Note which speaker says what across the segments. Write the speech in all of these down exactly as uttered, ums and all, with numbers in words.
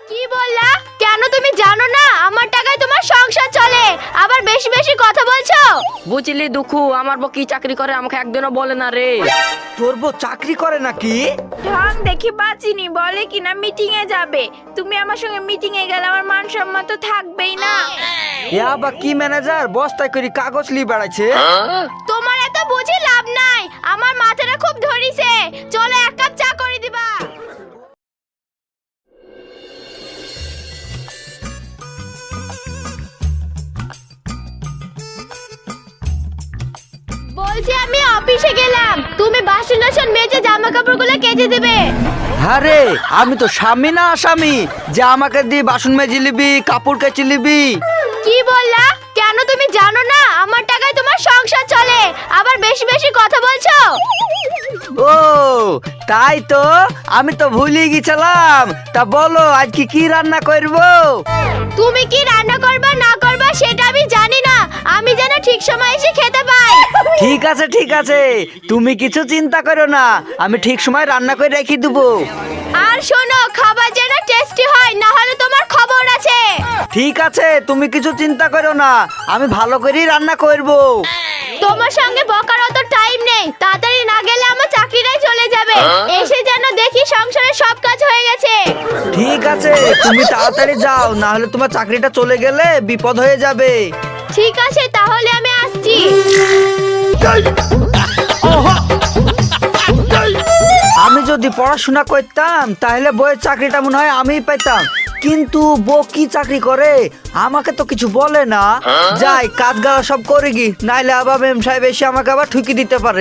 Speaker 1: কি বললা? কেন তুমি জানো না আমার টাকায় তোমার সংসার চলে, আবার বেশি বেশি কথা বলছো?
Speaker 2: বুঝলি দুঃখু, আমার বউ কি চাকরি করে আমাকে একদিনও বলে না রে।
Speaker 3: তোর বউ চাকরি করে নাকি?
Speaker 4: ঢং দেখি বাঁচিনি, বলে কিনা মিটিং এ যাবে। তুমি আমার সঙ্গে মিটিং এ গেলে আমার মান সম্মান তো থাকবেই না।
Speaker 3: ইয়া বা কি ম্যানেজার বস্তায় করে কাগজ লি বেড়াইছে।
Speaker 1: তোমার এত বুঝি লাভ নাই, আমার মাথাটা খুব ধরিছে। চলো এক কাপ চা করে দিবা। বলছি আমি অফিসে গেলাম, তুমি বাসন টাসন মেজে জামা কাপড়গুলো কেচে দেবে।
Speaker 3: আরে আমি তো স্বামী না আসামি যে আমাকে দিয়ে বাসন মেজে লিবি, কাপড় কেচে লিবি।
Speaker 1: কি বললা? কেন তুমি জানো না আমার টাকায় তোমার সংসার চলে, আবার বেশি বেশি কথা বলছো?
Speaker 3: ও তাই তো, আমি তো ভুলে গেছিলাম। তা বলো আজকে কি রান্না করবো?
Speaker 1: তুমি কি রান্না করবা না করবা সেটা আমি জানি না, আমি যেন ঠিক সময় এসে খেতে পাই।
Speaker 3: ঠিক আছে ঠিক আছে, তুমি কিছু চিন্তা করো না, আমি ঠিক সময় রান্না করে রেখে দেবো।
Speaker 1: আর শোনো, খাবার যেন টেস্টি হয়, না হলে তোমার খবর আছে।
Speaker 3: ঠিক আছে, তুমি কিছু চিন্তা করো না, আমি ভালো করেই রান্না করবো।
Speaker 1: তোমার সঙ্গে বকার অত টাইম নেই, তাড়াতাড়ি না গেলে আমার চাকরিটাই চলে যাবে। এসে যেন দেখি সংসারের সব কাজ হয়ে গেছে।
Speaker 3: ঠিক আছে, তুমি তাড়াতাড়ি যাও, না হলে তোমার চাকরিটা চলে গেলে বিপদ হয়ে যাবে।
Speaker 1: ঠিক আছে, তাহলে আমি আসছি।
Speaker 3: আমি যদি পড়াশোনা করতাম তাহলে বইয়ের চাকরিটা মনে হয় আমিই পেতাম, কিন্তু বউ কি চাকরি করে আমাকে তো কিছু বলে না। যাই কাজ গাওয়া সব করে গি, নাইলে আবার মেম সাহেব এসে আমাকে আবার ঠুকি দিতে পারে।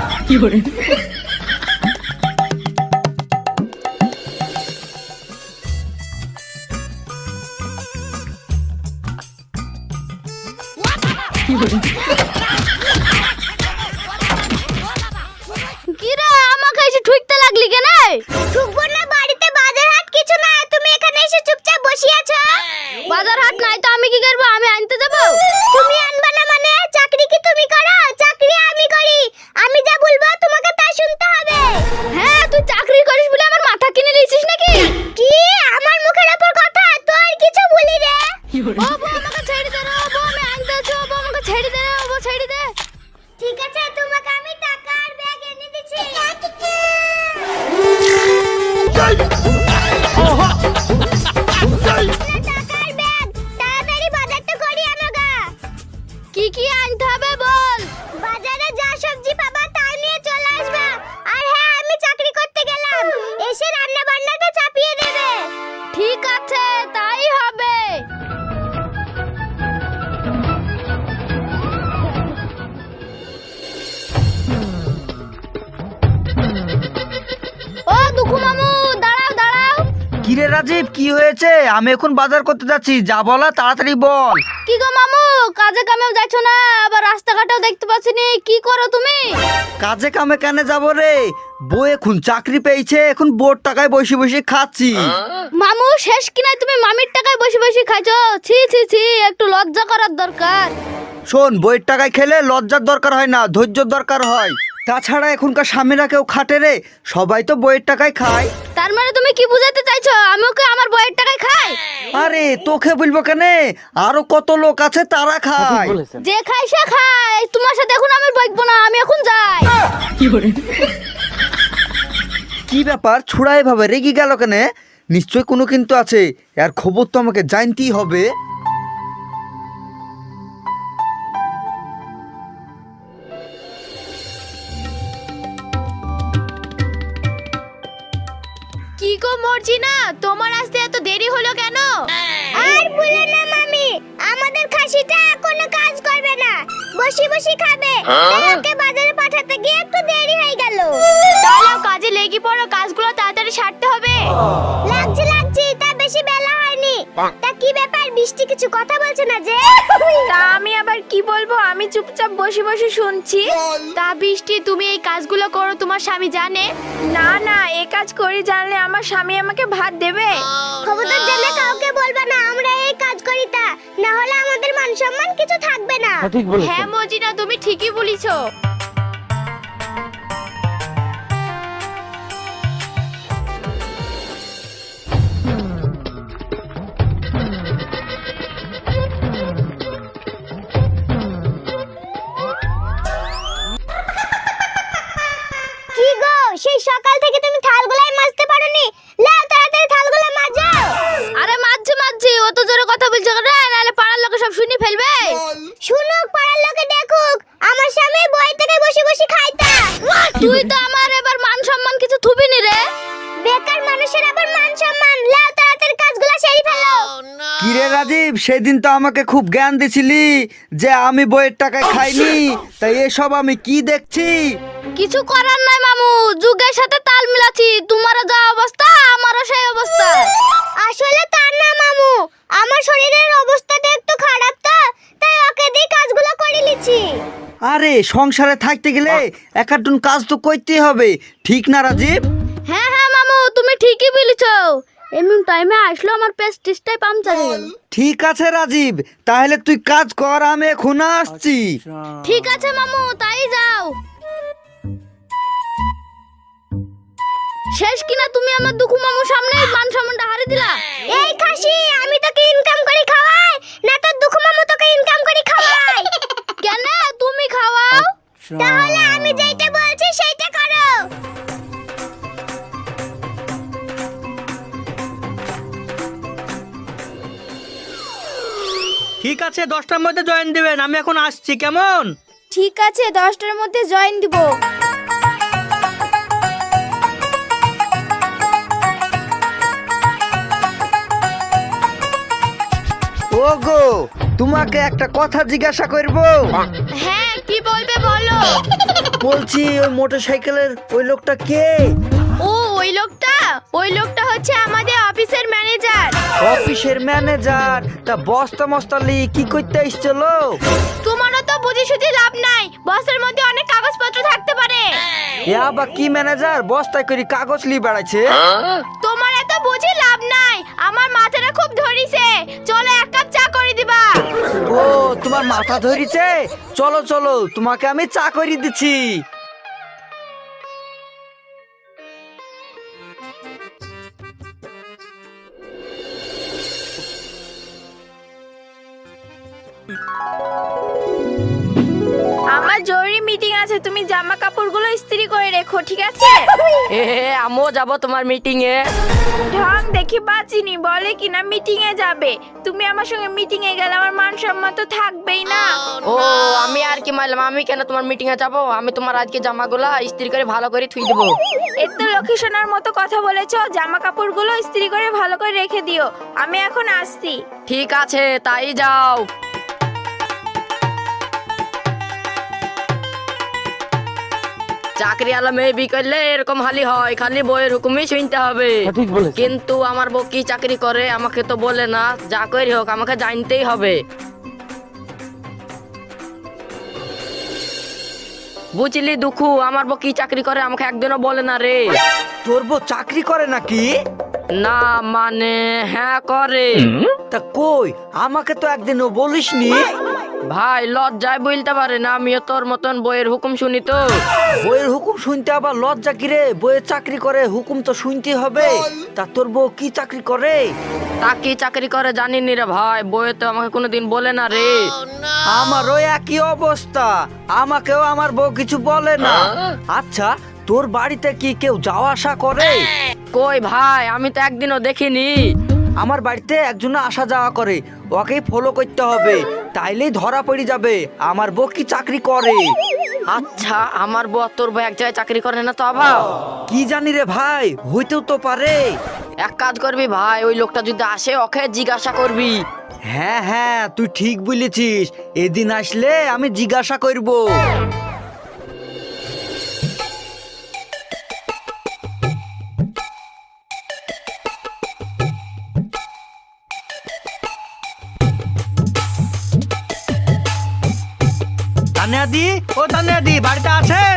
Speaker 1: কিরে আমাকে এসে ঠুকতে লাগলি কেন? ঠুকবো না, বাড়িতে বাজার হাট কিছু না, তুমি এখানে এসে চুপচাপ বসে আছো। বাজার হাট নাই তো আমি কি করব? আমি আনতে যাব? তুমি আনবা না মানে? চাকরি কি তুমি করো? চাকরি আমি করি, আমি যা বলবো তোমাকে তা শুনতে হবে। হ্যাঁ, তুই চাকরি করিস বলে আমার মাথা কিনে নিয়েছিস নাকি? কি আমার মুখের উপর কথা? তো আর কিছু বলি রে। ও বউ আমাকে ছেড়ে দে রে, ও বউ আমি আনতে আছি, ও বউ আমাকে ছেড়ে দে রে, ও বউ ছেড়ে দে। ঠিক আছে, তোমাকে আমি টাকা আর ব্যাগ এনে দিচ্ছি। কি কি আনতে হবে বল? বাজারে যা সবজি পাবা তাই নিয়ে চলে আসবা। আর হ্যাঁ, আমি চাকরি করতে গেলাম, এসে রান্না বান্নাটা চাপিয়ে দেবে। ঠিক আছে, তাই হবে। ও দুঃখু মামু, দাঁড়াও দাঁড়াও।
Speaker 3: কিরে রাজীব, কি হয়েছে? আমি এখন বাজার করতে যাচ্ছি, যা বলা তাড়াতাড়ি বল।
Speaker 1: কি গো মামু, কাজে কামেও যাচ্ছ না, আবার রাস্তাঘাটেও দেখতে পাচ্ছি নি, কি করো তুমি?
Speaker 3: কাজে কামে কেন যাব রে, বউ এখন চাকরি পেয়েছে, এখন বোর টাকায় বসে বসে খাচ্ছি।
Speaker 1: মামু শেষ কিনা তুমি মামির টাকায় বসে বসে খাইছো? ছি ছি ছি, একটু লজ্জা করার দরকার।
Speaker 3: শোন, বইয়ের টাকায় খেলে লজ্জার দরকার হয় না, ধৈর্যর দরকার হয়। তাছাড়া এখনকার স্বামীরা কেউ খাটে রে, সবাই তো বইয়ের টাকায় খায়।
Speaker 1: তার মানে তুমি কি বুঝাতে চাইছো আমি ওকে আমার বইয়ের টাকায় খাই?
Speaker 3: আরে তোকে বলবো কেন, আরো কত লোক আছে তারা খায়।
Speaker 1: যে খাই সে খায়, তোমার সাথে এখন আমি বইবো না, আমি এখন যাই।
Speaker 3: কি ব্যাপার, ছুড়া এভাবে রেগে গেল কেন? নিশ্চয় কোনো কিন্তু আছে, এর খবর তো আমাকে জানতেই হবে।
Speaker 1: কি গো মর্জিনা, তোমার আসতে এত দেরি হলো কেন? আর বলে না মামি, আমাদের খাসিটা কোনো কাজ করবে না, বসি বসি খাবে, তাই ওকে বাজারে পাঠাতে গিয়ে একটু দেরি হয়ে গেল। তাহলে কাজে লেগে পড়ো, কাজগুলো তাড়াতাড়ি সারতে হবে। লাগছে লাগছে, তা বেশি বেলা হয়নি। তা কি ব্যাপার, বৃষ্টি কিছু কথা বলছে না যে?
Speaker 4: তা আমি আবার কি বলবো, আমি চুপচাপ বসে বসে শুনছি।
Speaker 1: তা বৃষ্টি, তুমি এই কাজগুলো করো তোমার স্বামী জানে?
Speaker 4: না না, এই কাজ করি জানলে আমার স্বামী আমাকে ভাত দেবে?
Speaker 1: খবরদার জানে কাউকে বলবা না আমরা এই কাজ করি, তা না হলে আমাদের মান সম্মান কিছু থাকবে না। হ্যাঁ মর্জিনা, তুমি ঠিকই বলিছো।
Speaker 3: কিরে রাজীব, সেদিন তো আমাকে খুব জ্ঞান দিছিলি যে আমি বইয়ের টাকায় খাইনি, তাই এসব আমি কি দেখছি?
Speaker 1: কিছু করার নাই মামু, যুগের সাথে তাল মিলাচ্ছি। তোমারও যা অবস্থা আমারও সেই অবস্থা। আসলে তার না মামু, আমার শরীরের অবস্থাটা একটু খারাপ তো, তাই ওকে দিয়ে কাজগুলো করে নিচ্ছি।
Speaker 3: আরে সংসারে থাকতে গেলে একাটুন কাজ তো করতেই হবে, ঠিক না রাজীব?
Speaker 1: হ্যাঁ হ্যাঁ মামু, তুমি ঠিকই বলেছো। এমন টাইমে আসলো আমার পেস্টিসটাই পাংচার হয়ে গেল।
Speaker 3: ঠিক আছে রাজীব, তাহলে তুই কাজ কর, আমি এখন আসছি।
Speaker 1: ঠিক আছে মামু, তাই যাও। শেষ কিনা তুমি আমার দুঃখু মামুর সামনে মান সম্মানটা হারিয়ে দিলা। এই খাসি, আমি তোকে ইনকাম করে খাওয়াই না তোর দুঃখু মামু তোকে ইনকাম করে খাওয়াই? কেন তুমি খাওয়াও? তাহলে আমি যেটা বলছি সেইটা করো।
Speaker 5: ঠিক আছে, দশটার মধ্যে জয়েন দিবেন, আমি এখন আসছি, কেমন?
Speaker 4: ঠিক আছে, দশটার মধ্যে জয়েন দিব।
Speaker 3: ওগো, তোমাকে একটা কথা জিজ্ঞাসা করব।
Speaker 4: হ্যাঁ, কি বলবে বলো।
Speaker 3: বলছি ওই মোটরসাইকেলের ওই লোকটা কে?
Speaker 4: ও ওই লোকটা ওই লোকটা হচ্ছে আমাদের অফিসের ম্যানেজার।
Speaker 3: অফিসের ম্যানেজার? তা বস্তা মস্তালি কি করতে এসেছিল?
Speaker 4: তোমারও তো বুঝি সুঝি লাভ নাই, বসের মধ্যে অনেক কাগজপত্র থাকতে পারে।
Speaker 3: এ আবার কি ম্যানেজার বস্তায় করে কাগজ লি বেড়াচ্ছে?
Speaker 4: তোমার এত বুঝি লাভ নাই, আমার মাথাটা খুব ধরিছে। চলো এক কাপ চা করে দিবা।
Speaker 3: ও তোমার মাথা ধরিছে, চলো চলো তোমাকে আমি চা করে দিচ্ছি।
Speaker 4: আমার জরুরি মিটিং আছে, তুমি জামা কাপড়গুলো ইস্ত্রি করে রেখো, ঠিক আছে?
Speaker 2: এ আমিও যাবো তোমার মিটিং এ।
Speaker 4: ঢং দেখি বাঁচিনি, বলে কিনা মিটিং এ যাবে। তুমি আমার সঙ্গে মিটিং এ গেলে আমার মান সম্মান তো থাকবেই না।
Speaker 2: ও আমি আর কি মারলাম, আমি কেন তোমার মিটিং এ যাবো? আমি তোমার আজকে জামাগুলা ইস্ত্রি করে ভালো করে থুই দেবো।
Speaker 4: এত লক্ষ্মী সোনার মতো কথা বলেছো, জামা কাপড়গুলো ইস্ত্রি করে ভালো করে রেখে দিও। আমি এখন আসছি।
Speaker 2: ঠিক আছে, তাই যাও। চাকরি আলা মেয়ে বি করলে এরকম হালি হয়, খালি বইয়ের হুকুমই শুনতে হবে। কিন্তু আমার বউ কি চাকরি করে আমাকে তো বলে না, যা করি হোক আমাকে জানতেই হবে। বুঝলি দুঃখু, আমার বউ কি চাকরি করে আমাকে একদিনও বলে না রে।
Speaker 3: তোর বউ চাকরি করে নাকি?
Speaker 2: না মানে হ্যাঁ করে।
Speaker 3: তা কই, আমাকে তো একদিনও বলিসনি।
Speaker 2: ভাই লজ্জায় বলতে পারে না, আমিও তোর মতন বইয়ের হুকুম শুনি তো।
Speaker 3: বইয়ের হুকুম শুনতে আবার লজ্জা কি রে? বইয়ের চাকরি করে, হুকুম তো শুনতে হবে। তা তোর বউ কি চাকরি করে?
Speaker 2: তা কি চাকরি করে জানিনি রে ভাই, বইয়ে তো আমাকে কোনোদিন বলে না রে।
Speaker 3: আমারও একই অবস্থা, আমাকেও আমার বউ কিছু বলে না। আচ্ছা, তোর বাড়িতে কি কেউ যাওয়া আসা করে?
Speaker 2: কই ভাই, আমি তো একদিনও দেখিনি।
Speaker 3: আমার বাড়িতে একজন আসা যাওয়া করে, ওকেই ফলো করতে হবে, তাইলেই ধরা পড়ে যাবে আমার বউ কি চাকরি করে।
Speaker 2: আচ্ছা, আমার বউ আর তোর বউ এক জায়গায় চাকরি করে না তো আবার?
Speaker 3: কি জানি রে ভাই, হইতেও তো পারে।
Speaker 2: এক কাজ করবি ভাই, ওই লোকটা যদি আসে ওকে জিজ্ঞাসা করবি।
Speaker 3: হ্যাঁ হ্যাঁ, তুই ঠিক বলেছিস, এদিন আসলে আমি জিজ্ঞাসা করব।
Speaker 5: তানিয়াদি, ও তানিয়াদি, বাড়িতে আছেন?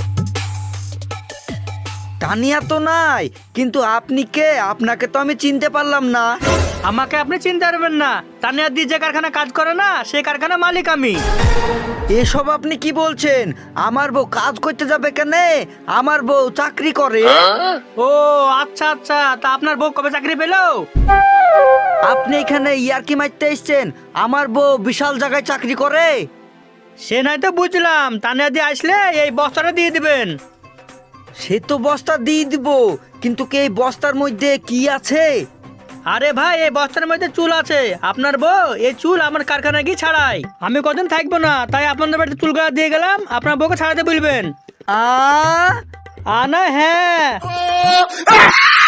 Speaker 3: তানিয়া তো নাই, কিন্তু আপনি কে? আপনাকে তো আমি চিনতে পারলাম না।
Speaker 5: আমাকে আপনি চিনতে পারবেন না, তানিয়াদি যে কারখানা কাজ করে না সেই কারখানা মালিক আমি।
Speaker 3: এসব আপনি কি বলছেন? আমার বউ কাজ করতে যাবে কেন? আমার বউ চাকরি করে।
Speaker 5: ও আচ্ছা আচ্ছা, তা আপনার বউ কবে চাকরি পেলো?
Speaker 3: আপনি এখানে ইয়ারকি মারতে এসছেন? আমার বউ বিশাল জায়গায় চাকরি করে।
Speaker 5: সে নাই তো বুঝলাম, তানিয়াদি আসলে এই বস্তাটা দিয়ে দিবেন।
Speaker 3: সে তো বস্তা দিয়ে দিব, কিন্তু কি এই বস্তার মধ্যে কি আছে?
Speaker 5: আরে ভাই, এই বস্তার মধ্যে চুল আছে। আপনার বউ এই চুল আমার কারখানায় গিয়ে ছাড়াই। আমি কদিন থাকবো না, তাই আপনাদের বাড়িতে চুল গাছ দিয়ে গেলাম, আপনার বউকে ছাড়াতে বলবেন।
Speaker 3: আ
Speaker 5: আনা হ্যাঁ।